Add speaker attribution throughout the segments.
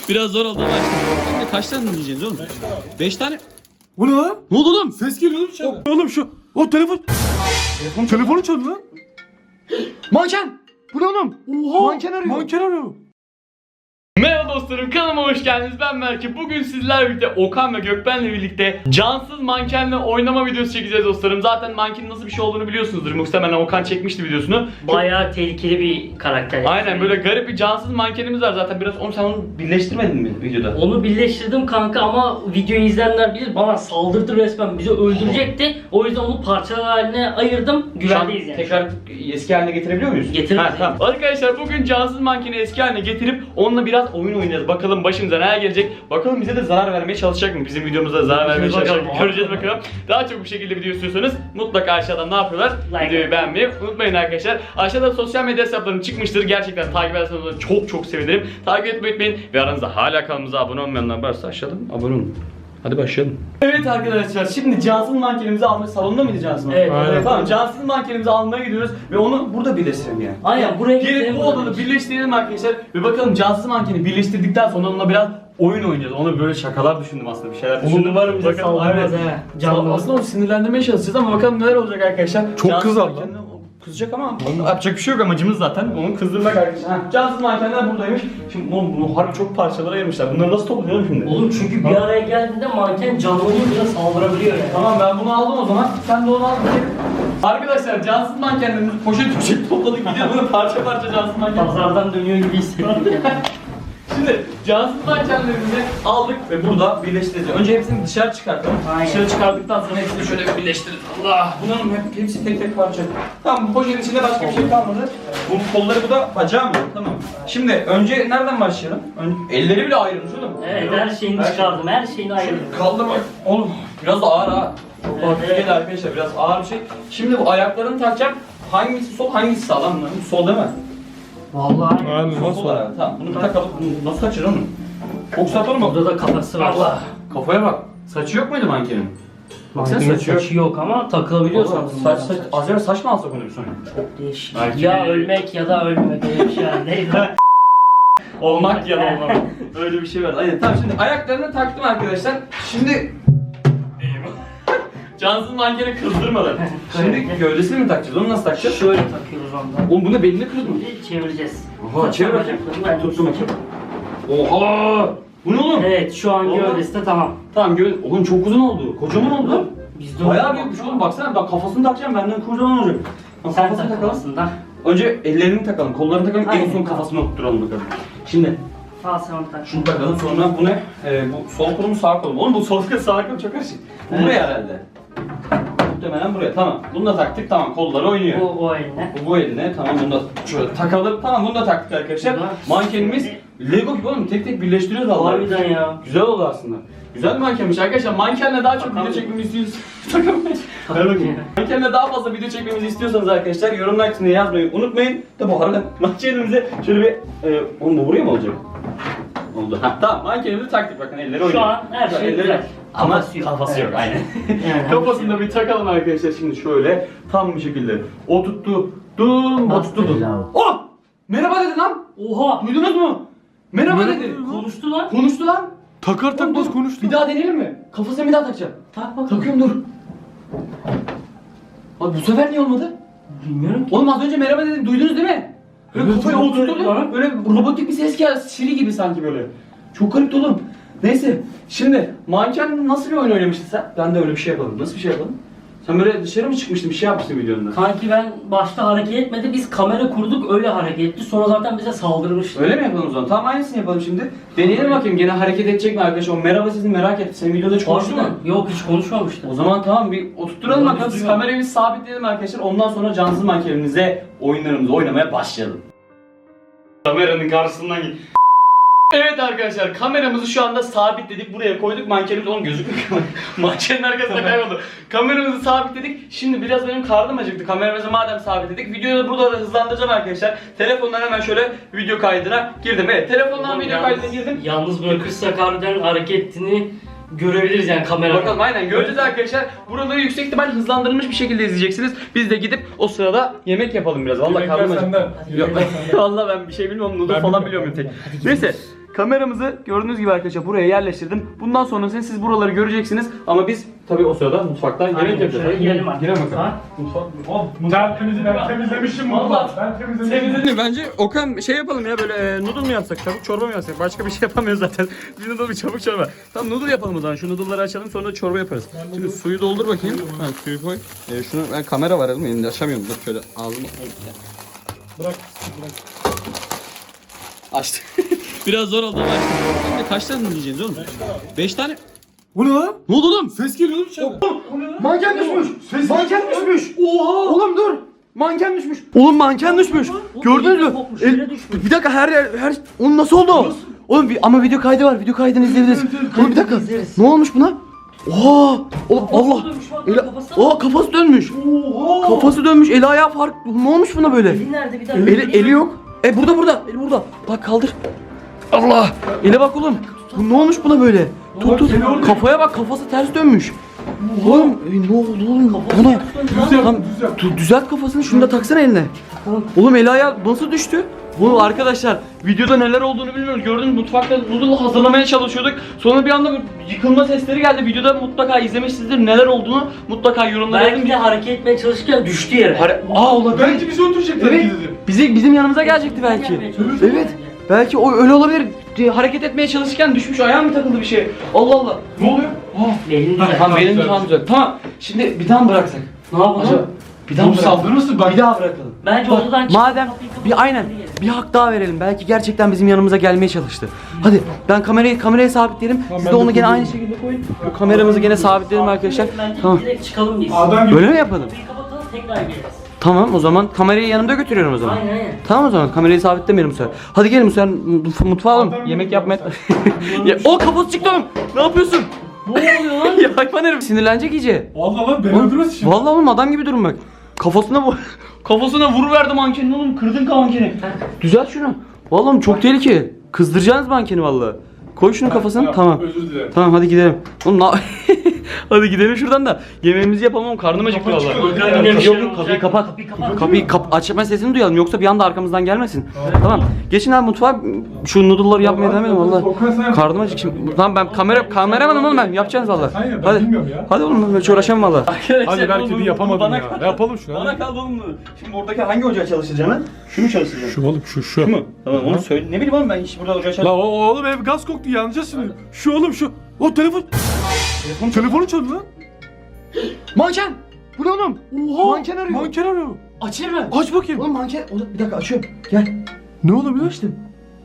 Speaker 1: Biraz zor oldu ama. Şimdi kaç tane dinleyeceğiz oğlum? 5 tane.
Speaker 2: Bu ne lan?
Speaker 1: Ne oldu oğlum?
Speaker 2: Ses geliyor oğlum içeriden. Oğlum şu. O telefon. Telefonu çaldı lan.
Speaker 1: Manken! Bu ne oğlum?
Speaker 2: Oha.
Speaker 1: Manken arıyor.
Speaker 2: Manken arıyor.
Speaker 3: Merhaba dostlarım, kanalıma hoş geldiniz. Ben Berke. Bugün sizlerle birlikte Okan ve Gökben'le birlikte cansız mankenle oynama videosu çekeceğiz dostlarım. Zaten mankenin nasıl bir şey olduğunu biliyorsunuzdur. Muhtemelen Okan çekmişti videosunu.
Speaker 4: Bayağı tehlikeli bir karakter.
Speaker 3: Aynen, böyle garip bir cansız mankenimiz var zaten. Biraz sen onu birleştirmedin mi videoda?
Speaker 4: Onu birleştirdim kanka ama videoyu izleyenler bilir, bana saldırdı resmen, bizi öldürecekti. O yüzden onu parçalar haline ayırdım. Güvendeyiz yani.
Speaker 3: Tekrar eski haline getirebiliyor muyuz?
Speaker 4: Getiririz.
Speaker 3: Tamam. Arkadaşlar bugün cansız mankeni eski haline getirip onunla biraz oyun oynayacağız. Bakalım başımıza neler gelecek. Bakalım bize de zarar vermeye çalışacak mı? Bizim videomuzda zarar vermeye çalışacak mı? Göreceğiz bakalım. Daha çok bu şekilde video istiyorsanız mutlaka aşağıdan ne yapıyorlar?
Speaker 4: Like.
Speaker 3: Videoyu beğenmeyi unutmayın arkadaşlar. Aşağıda sosyal medya hesaplarım çıkmıştır. Gerçekten takip ederseniz çok sevinirim. Takip etmeyi unutmayın. Ve aranızda hala kanalımıza abone olmayanlar varsa aşağıdan abone olun. Hadi başlayalım. Evet arkadaşlar, şimdi cansız mankenimizi almaya, salonda mıydı cansız manken?
Speaker 4: Evet,
Speaker 2: aynen.
Speaker 3: Tamam, cansız mankenimizi almaya gidiyoruz ve onu burada birleştirelim yani.
Speaker 4: Aynen, buraya
Speaker 3: Gelip
Speaker 4: getirelim,
Speaker 3: bu
Speaker 4: burada
Speaker 3: odanı birleştirelim arkadaşlar ve bakalım cansız mankeni birleştirdikten sonra onunla biraz oyun oynayacağız. Ona böyle şakalar düşündüm aslında, bir şeyler düşündüm.
Speaker 4: umarım bize
Speaker 3: Bakalım,
Speaker 4: saldırmaz
Speaker 3: evet.
Speaker 4: he. Canlı.
Speaker 3: Aslında onu sinirlendirmeye çalışacağız ama bakalım neler olacak arkadaşlar.
Speaker 2: Çok
Speaker 3: Cansız
Speaker 2: kızar lan.
Speaker 3: mankenle kızacak ama yapacak bir şey yok, amacımız zaten onu kızdırmak arkadaşlar. Cansız mankenler buradaymış. Şimdi bunu harbi çok parçalara ayırmışlar. Bunları nasıl toplayalım şimdi?
Speaker 4: Oğlum çünkü bir araya geldiğinde manken canlanıyor, bize saldırabiliyor yani.
Speaker 3: Tamam, ben bunu aldım o zaman. Sen de onu al. Arkadaşlar cansız mankenlerimizi poşet topladık, gidiyor bunu parça parça cansız manken.
Speaker 4: Pazardan dönüyor gibi hissettim yani.
Speaker 3: Şimdi cansız mankenlerimizi aldık ve burada birleştireceğiz. Önce hepsini dışarı çıkartalım.
Speaker 4: Aynen.
Speaker 3: Dışarı çıkardıktan sonra hepsini şöyle bir birleştiririz. Allah! Bunların hepsi tek tek parça. Tamam, bu poşetin içinde başka bir şey kalmadı. Bunun kolları, bu da bacağı mı? Tamam. Şimdi önce nereden başlayalım? Elleri bile ayrılmış oğlum.
Speaker 4: Evet, her şeyini çıkardım, her şeyini ayırdım.
Speaker 3: Kaldırmak. Oğlum biraz da ağır ha. Çok
Speaker 4: Evet,
Speaker 3: hafif
Speaker 4: evet.
Speaker 3: değil arkadaşlar, biraz ağır bir şey. Şimdi bu ayaklarını takacağım. Hangisi sol, hangisi sağ lan bunların? Sol değil mi?
Speaker 4: Vallahi.
Speaker 2: Aynen
Speaker 3: Sol
Speaker 2: nasıl?
Speaker 3: olarak. Tamam, bunu bir takalım. Bunu nasıl açır onu? Çok satalım mı?
Speaker 4: Burada da kafası var.
Speaker 3: Allah! Kafaya bak. Saçı yok muydu mankenin? Baksana,
Speaker 4: Mankenin
Speaker 3: saçı yok.
Speaker 4: saçı yok ama takılabiliyor
Speaker 3: Oğlum,
Speaker 4: sanırım.
Speaker 3: saç, acaba saç mı alsak onu bir sonra?
Speaker 4: Çok değişik.
Speaker 3: Belki
Speaker 4: Ya
Speaker 3: bir-
Speaker 4: ölmek ya da ölmemek öyle bir şey var. Neydi?
Speaker 3: Olmak ya da olmamak. Öyle bir şey var. Aynen. Tamam, şimdi ayaklarını taktım arkadaşlar. Şimdi... Cansız mankeni kızdırmadan. Şimdi gövdesini mi takacağız? Onu nasıl takacağız?
Speaker 4: Şöyle takıyoruz ondan.
Speaker 3: Oğlum bu ne, belini kırdı mı?
Speaker 4: Şimdi çevireceğiz.
Speaker 3: Oha, çevir bakayım. Tuttum bakayım. Oha! Bu ne oğlum?
Speaker 4: Evet, şu an
Speaker 3: Oha.
Speaker 4: gövdesi de tamam.
Speaker 3: Tamam, oğlum çok uzun oldu. Kocaman oldu.
Speaker 4: Bizde
Speaker 3: Bayağı büyükmüş oğlum, baksana. Bak kafasını takacağım, benden kocaman olacak. Bak,
Speaker 4: Sen
Speaker 3: kafasını
Speaker 4: tak
Speaker 3: takalım.
Speaker 4: aslında.
Speaker 3: Önce ellerini takalım, kollarını takalım, en
Speaker 4: Aynen,
Speaker 3: son
Speaker 4: tamam.
Speaker 3: kafasını oturtalım bakalım. Şimdi
Speaker 4: Al sen onu tak.
Speaker 3: şunu takalım, sonra bu ne? Bu sol kolum, sağ kolum. Oğlum bu sol kol, sağ kolum çok karışık. Bu
Speaker 4: Evet.
Speaker 3: buraya herhalde. Muhtemelen buraya. Tamam. Bunu da taktık. Tamam. Kolları oynuyor.
Speaker 4: O eline.
Speaker 3: Bu eline. Tamam, bunu da şöyle takalım. Tamam, bunu da taktık arkadaşlar.
Speaker 4: Bu da-
Speaker 3: Mankenimiz Lego gibi oğlum. Tek tek birleştiriyoruz vallahi.
Speaker 4: Harbiden ya.
Speaker 3: Güzel oldu aslında. Güzel bir mankenmiş arkadaşlar. Mankenle daha çok video
Speaker 4: Takalım.
Speaker 3: çekmemizi istiyorsanız takamayız. Ver bakayım. Mankenle daha fazla video çekmemizi istiyorsanız arkadaşlar yorumlar kısmına yazmayı unutmayın. Tabi harbiden mankenimize şöyle bir oğlum bu buraya mı olacak? Oldu. Ha, tamam, mankenimizi taktık, bakın elleri oynuyor.
Speaker 4: Şu an her şey
Speaker 3: Elleri-
Speaker 4: güzel.
Speaker 3: Ama
Speaker 4: Kafası yok.
Speaker 3: kafası yok, aynen.
Speaker 4: Yani
Speaker 3: Kafasını da bir takalım arkadaşlar şimdi şöyle tam bir şekilde. O tuttu. Dum, o tuttu. Dum. Oh! Merhaba dedi lan.
Speaker 4: Oha!
Speaker 3: Duydunuz mu? Merhaba dedi.
Speaker 4: Konuştu lan.
Speaker 3: Konuştu lan.
Speaker 2: Takar takmaz
Speaker 3: Dur,
Speaker 2: konuştu.
Speaker 3: Bir daha deneyelim mi? Kafasına bir daha takacağım.
Speaker 4: Tak bak.
Speaker 3: Takıyorum, dur. Abi bu sefer niye olmadı?
Speaker 4: Bilmiyorum ki.
Speaker 3: Oğlum az önce merhaba dedim, duydunuz değil mi? Böyle
Speaker 2: Evet,
Speaker 3: kafayı
Speaker 4: çok
Speaker 3: oturttu.
Speaker 4: garip.
Speaker 3: Böyle robotik bir ses geldi. Siri gibi sanki böyle. Çok garip oğlum. Neyse. Şimdi manken nasıl bir oyun oynamıştın sen? Ben de öyle bir şey yapalım. Nasıl bir şey yapalım? Sen böyle dışarı mı çıkmıştın, bir şey yapmıştın videonda?
Speaker 4: Kanki ben başta hareket etmedi, biz kamera kurduk öyle hareket etti, sonra zaten bize saldırmıştı.
Speaker 3: Öyle mi yapalım o zaman? Tamam, aynısını yapalım şimdi. Deneyelim bakayım, gene hareket edecek mi arkadaş? O merhaba sizi merak etti. Senin videoda hiç konuştun mu?
Speaker 4: Yok, hiç konuşmamıştı.
Speaker 3: O zaman tamam, bir oturtturalım
Speaker 4: Doğru,
Speaker 3: bakalım. Biz
Speaker 4: duyuyorum.
Speaker 3: kamerayı bir sabitleyelim arkadaşlar. Ondan sonra cansız mankenimize oyunlarımızı oynamaya başlayalım. Kameranın karşısından git. Evet arkadaşlar, kameramızı şu anda sabitledik. Buraya koyduk, mankenimiz onun gözükmüyor. Mankenin arkasında kayboldu. Kameramızı sabitledik. Şimdi biraz benim karnım acıktı. Kameramızı madem sabitledik, videoyu da burada da hızlandıracağım arkadaşlar. Telefondan hemen şöyle video kaydına girdim. Evet, telefondan video kaydına girdim.
Speaker 4: Yalnız bırakırsak harbiden hareketini görebiliriz yani kamerada.
Speaker 3: Bakalım, aynen göreceğiz arkadaşlar. Buraları yüksek ihtimal hızlandırılmış bir şekilde izleyeceksiniz. Biz de gidip o sırada yemek yapalım biraz. Vallahi
Speaker 2: Yemekler
Speaker 3: karnım acıktı.
Speaker 2: senden.
Speaker 3: Yok, vallahi ben bir şey bilmiyorum. Noodle
Speaker 2: Ben
Speaker 3: falan
Speaker 2: bilmiyorum.
Speaker 3: biliyorum tek. Neyse. Kameramızı gördüğünüz gibi arkadaşlar buraya yerleştirdim. Bundan sonrasını siz buraları göreceksiniz. Ama biz tabii o sırada mutfakta yemek yapacağız.
Speaker 4: Girelim artık.
Speaker 3: Girelim bakalım.
Speaker 2: Ben temizlemişim bunu. Ben temizlemişim.
Speaker 1: Bence Okan şey yapalım ya böyle noodle mu yapsak, tavuk çorba mı yapsak? Başka bir şey yapamıyoruz zaten. Bir noodle bir çabuk çorba. Tamam noodle yapalım o zaman. Şu noodle'ları açalım sonra da çorba yaparız. Şimdi suyu doldur bakayım. Ha suyu koy. Şunu ben kamera var elimde elinde açamıyorum. Dur şöyle ağzımı.
Speaker 2: Bırak.
Speaker 1: Açtı. Biraz zor oldu ama açtım. Şimdi kaç tane noodle yiyeceğiz oğlum? 5 tane.
Speaker 2: Bu ne lan?
Speaker 1: Ne oldu oğlum?
Speaker 2: Ses geliyor oğlum içeride.
Speaker 5: Manken düşmüş.
Speaker 2: Ses
Speaker 5: Manken düşmüş.
Speaker 2: Oha.
Speaker 5: Oğlum dur. Manken düşmüş. Oğlum manken düşmüş. Gördünüz mü? Bir dakika her onun nasıl oldu? Oğlum ama video kaydı var. Video kaydını izleyebiliriz. Oğlum bir dakika.
Speaker 4: İzleriz.
Speaker 5: Ne olmuş buna? Oha! Oğlum Allah. Kafası dönmüş. Kafası dönmüş. Eli ayağı fark. Ne olmuş buna böyle?
Speaker 4: Eli nerede bir daha?
Speaker 5: Eli yok. Burada. Eli burada. Bak kaldır. Allah. Ele bak oğlum. Bu ne olmuş buna böyle? Tut. Kafaya bak. Kafası ters dönmüş. Oğlum ne oldu oğlum? Bu ne? Tamam, düzelt kafasını. Şunu da taksana eline. Oğlum eli ayağı nasıl düştü?
Speaker 3: Bu arkadaşlar videoda neler olduğunu bilmiyoruz. Gördünüz mutfakta noodle hazırlamaya çalışıyorduk. Sonra bir anda bir yıkılma sesleri geldi. Videoda mutlaka izlemişsinizdir. Neler olduğunu mutlaka yorumlara
Speaker 4: Belki
Speaker 3: yazın.
Speaker 4: de hareket etmeye çalışırken düştü yere.
Speaker 5: Olabilir.
Speaker 2: Bence bizi öldürecekler
Speaker 5: Evet.
Speaker 2: dedi.
Speaker 5: Bizim yanımıza gelecekti belki.
Speaker 4: Gelmeye çalışıyor
Speaker 5: Evet.
Speaker 4: bence.
Speaker 5: Belki o öyle olabilir.
Speaker 3: Hareket etmeye çalışırken düşmüş. Ayağı mı takıldı bir şey? Allah Allah. Ne oluyor?
Speaker 4: Belini
Speaker 3: Tamam
Speaker 4: düzelt.
Speaker 3: benim
Speaker 2: güzel.
Speaker 3: tamam güzel. Tamam. Şimdi bir daha mı bıraksak?
Speaker 4: Ne yapalım?
Speaker 3: Acaba bir daha
Speaker 2: Oğlum
Speaker 3: mı bıraksak?
Speaker 2: saldırırsın bak.
Speaker 5: Bir daha bırakalım.
Speaker 4: Bence
Speaker 5: Bak,
Speaker 4: odadan çık.
Speaker 5: madem aynen bir hak daha verelim. Belki gerçekten bizim yanımıza gelmeye çalıştı. Hadi ben kamerayı sabitleyelim. Siz
Speaker 2: ben
Speaker 5: de
Speaker 2: de
Speaker 5: onu gene
Speaker 2: koyuyorum.
Speaker 5: aynı şekilde koyun. Bu kameramızı gene sabitleyelim arkadaşlar.
Speaker 4: Bence
Speaker 5: Tamam.
Speaker 4: direkt çıkalım biz.
Speaker 2: Adam gibi.
Speaker 5: Öyle mi yapalım?
Speaker 4: Kapıyı kapatalım tekrar geliriz.
Speaker 5: Tamam o zaman kamerayı yanımda götürüyorum o zaman.
Speaker 4: Aynen.
Speaker 5: Tamam o zaman kamerayı sabitlemeyelim bu sefer. Hadi gelin bu sefer mutfağa alalım.
Speaker 2: Adam
Speaker 5: Yemek
Speaker 2: gibi
Speaker 5: yapmaya. Ya, o kafası çıktı oğlum. Ne yapıyorsun?
Speaker 4: Ne oluyor lan?
Speaker 5: Ya hayvan herif sinirlenecek iyice.
Speaker 2: Vallahi lan beni öldürmez şimdi.
Speaker 5: Vallahi oğlum adam gibi durun bak. Kafasına bu.
Speaker 3: Kafasına vuruverdi mankenin oğlum. Kırdın mankeni.
Speaker 5: Düzelt şunu. Vallahi oğlum çok tehlikeli. Kızdıracaksınız mankeni vallahi. Koy şunu kafasına. Tamam.
Speaker 2: Özür dilerim.
Speaker 5: Tamam hadi gidelim. Oğlum hadi gidelim şuradan da yemeğimizi yapalım oğlum karnım acıktı
Speaker 2: Kapı
Speaker 5: vallahi.
Speaker 2: çıkıyor.
Speaker 4: Yine bir
Speaker 5: Yok
Speaker 4: şeyler
Speaker 5: yok kapıyı
Speaker 4: olacak.
Speaker 5: kapat.
Speaker 4: Kapıyı kapat.
Speaker 5: Açma sesini duyalım yoksa bir anda arkamızdan gelmesin. Tamam. Geçin abi mutfağa şu noodle'ları yapmaya devam edin vallahi.
Speaker 2: Okan sen yap.
Speaker 5: Karnım acık şimdi. Tamam ben kameramanım oğlum ben. Yapacaksınız vallahi.
Speaker 2: Sen yap, ben
Speaker 5: Hadi.
Speaker 2: bilmiyorum ya.
Speaker 5: Hadi oğlum ben hiç uğraşamam vallahi.
Speaker 2: Hadi belki de yapamadım ya. Ne yapalım şunu?
Speaker 3: Bana kaldı oğlum bunu. Şimdi oradaki hangi ocağa çalışacaksın? Şunu çalışacaksın.
Speaker 2: Şu oğlum şu.
Speaker 3: Şu mu? Tamam onu söyle. Ne bileyim oğlum ben hiç burada ocağa
Speaker 2: La
Speaker 3: çalışmam.
Speaker 2: oğlum ev gaz koktu yanacağız şimdi. Şu oğlum şu. O telefon. Telefonu çaldı lan.
Speaker 5: Manken! Bu ne oğlum?
Speaker 2: Oha.
Speaker 5: Manken arıyor.
Speaker 2: Manken arıyor.
Speaker 5: Açayım mı?
Speaker 2: Aç bakayım.
Speaker 5: Oğlum manken. Bir dakika açıyorum. Gel.
Speaker 2: Ne olabilir?
Speaker 5: Açtım.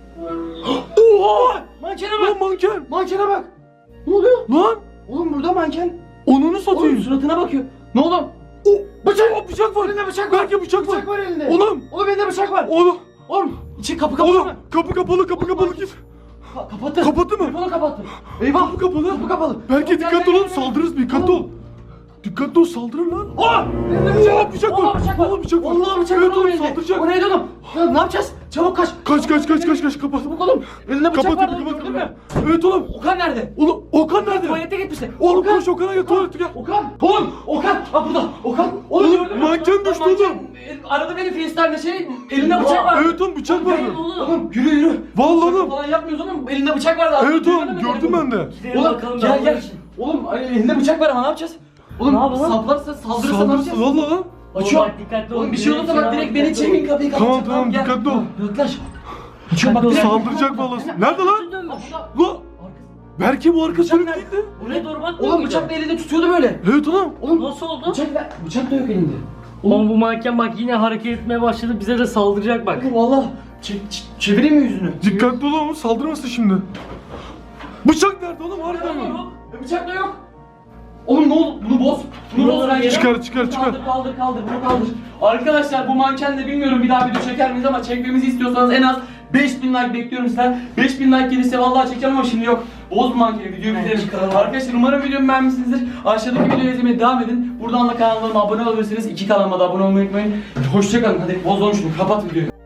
Speaker 2: Oha.
Speaker 5: Mankene
Speaker 2: Lan
Speaker 5: bak.
Speaker 2: manken.
Speaker 5: Mankene bak. Ne oluyor?
Speaker 2: Lan.
Speaker 5: Oğlum burada manken.
Speaker 2: Onunu
Speaker 5: Oğlum
Speaker 2: satayım.
Speaker 5: suratına bakıyor. Ne oğlum?
Speaker 2: Bıçak. Bıçak var.
Speaker 5: Elinde bıçak var.
Speaker 2: Belki bıçak var.
Speaker 5: Bıçak var elinde.
Speaker 2: Oğlum.
Speaker 5: Oğlum elinde bıçak var.
Speaker 2: Oğlum.
Speaker 5: Oğlum içi kapı kapalı
Speaker 2: Oğlum.
Speaker 5: mı?
Speaker 2: Kapı kapalı git.
Speaker 5: Kapattı.
Speaker 2: Kapattı mı?
Speaker 5: Telefonu kapattı. Eyvah.
Speaker 2: Kapı kapalı.
Speaker 5: Kapı kapalı.
Speaker 2: Belki
Speaker 5: Oğlum,
Speaker 2: dikkatli
Speaker 5: gel,
Speaker 2: olalım
Speaker 5: gel,
Speaker 2: saldırırız dikkatli ol. Dikkatli ol saldırır lan.
Speaker 5: Aa! Elinde
Speaker 2: Oha bıçak var.
Speaker 5: Vallahi bıçak var.
Speaker 2: Vallahi bıçak var.
Speaker 5: Vallahi bıçak var.
Speaker 2: Evet oğlum
Speaker 5: elinde.
Speaker 2: saldıracak.
Speaker 5: O neydi oğlum? Ya ne yapacağız? Çabuk kaç.
Speaker 2: Kaç kapat.
Speaker 5: Çabuk oğlum. Elinde bıçak
Speaker 2: Kapat
Speaker 5: var. Gördün mü?
Speaker 2: Evet oğlum.
Speaker 5: Okan nerede?
Speaker 2: Oğlum Okan nerede?
Speaker 5: Tuvalete gitmişti.
Speaker 2: Oğlum
Speaker 5: Okan.
Speaker 2: koş Okan'a gel tuvalete gel.
Speaker 5: Okan. Oğlum. Okan. Ha burada. Okan.
Speaker 2: Oğlum,
Speaker 5: gördün mü?
Speaker 2: manken düştü
Speaker 5: Manken,
Speaker 2: oğlum.
Speaker 5: Aradı beni FaceTime'de elinde bıçak var.
Speaker 2: Evet oğlum bıçak var.
Speaker 4: Gel oğlum.
Speaker 5: Oğlum yürü.
Speaker 2: Vallahi
Speaker 5: Şaka
Speaker 2: oğlum.
Speaker 5: falan yapmıyoruz oğlum. Elinde bıçak vardı.
Speaker 2: Evet
Speaker 5: Duymadın
Speaker 2: oğlum
Speaker 5: mı
Speaker 2: gördüm
Speaker 5: telefonu?
Speaker 2: ben de.
Speaker 4: Gidelim
Speaker 5: Oğlum
Speaker 4: bakalım
Speaker 5: gel
Speaker 4: ben
Speaker 5: gel.
Speaker 4: bunun için.
Speaker 5: Oğlum elinde bıçak var ama ne yapacağız? Oğlum
Speaker 4: Ne yapalım?
Speaker 5: saplarsa saldırırsa ne
Speaker 2: Saldırısı
Speaker 5: yapacağız?
Speaker 2: valla lan.
Speaker 5: Açıyorum.
Speaker 4: Bak, dikkatli ol.
Speaker 5: Oğlum bir şey olursa bak direkt beni çekin kapıyı
Speaker 2: Tamam,
Speaker 5: kapatacak.
Speaker 2: tamam,
Speaker 5: gel.
Speaker 2: dikkatli ol.
Speaker 5: Yaklaş. Açıyorum bak direkt.
Speaker 2: Saldıracak vallahi. Nerede lan?
Speaker 4: Dönmüş.
Speaker 2: Lan. Belki bu arka sönük
Speaker 5: nerede?
Speaker 2: değildi.
Speaker 4: Buraya doğru bak.
Speaker 5: Oğlum bıçak da elinde tutuyordu böyle.
Speaker 2: Evet oğlum.
Speaker 5: Oğlum
Speaker 4: Nasıl oldu?
Speaker 5: bıçak da yok elinde.
Speaker 4: Oğlum bu manken bak yine hareket etmeye başladı. Bize de saldıracak bak.
Speaker 5: Oğlum valla çevireyim mi yüzünü?
Speaker 2: Dikkatli ol oğlum saldırmasın şimdi. Bıçak nerede oğlum harbiden mi?
Speaker 5: Bıçak da yok. Oğlum ne oldu? Bunu boz. Bunu boz bence.
Speaker 2: Çıkar.
Speaker 5: Kaldır bunu kaldır. Arkadaşlar bu mankenle bilmiyorum bir daha video çeker miyiz ama çekmemizi istiyorsanız en az 5000 like bekliyorum sizden. 5000 like gelirse vallahi çekeceğim ama şimdi yok. Boz bu mankeni videoyu bitirelim. Arkadaşlar umarım videomu beğenmişsinizdir. Aşağıdaki videoyu izlemeye devam edin. Buradan da kanalıma abone olabilirsiniz. İki kanalıma da abone olmayı unutmayın. Hoşçakalın. Hadi bozalım şunu. Kapat videoyu.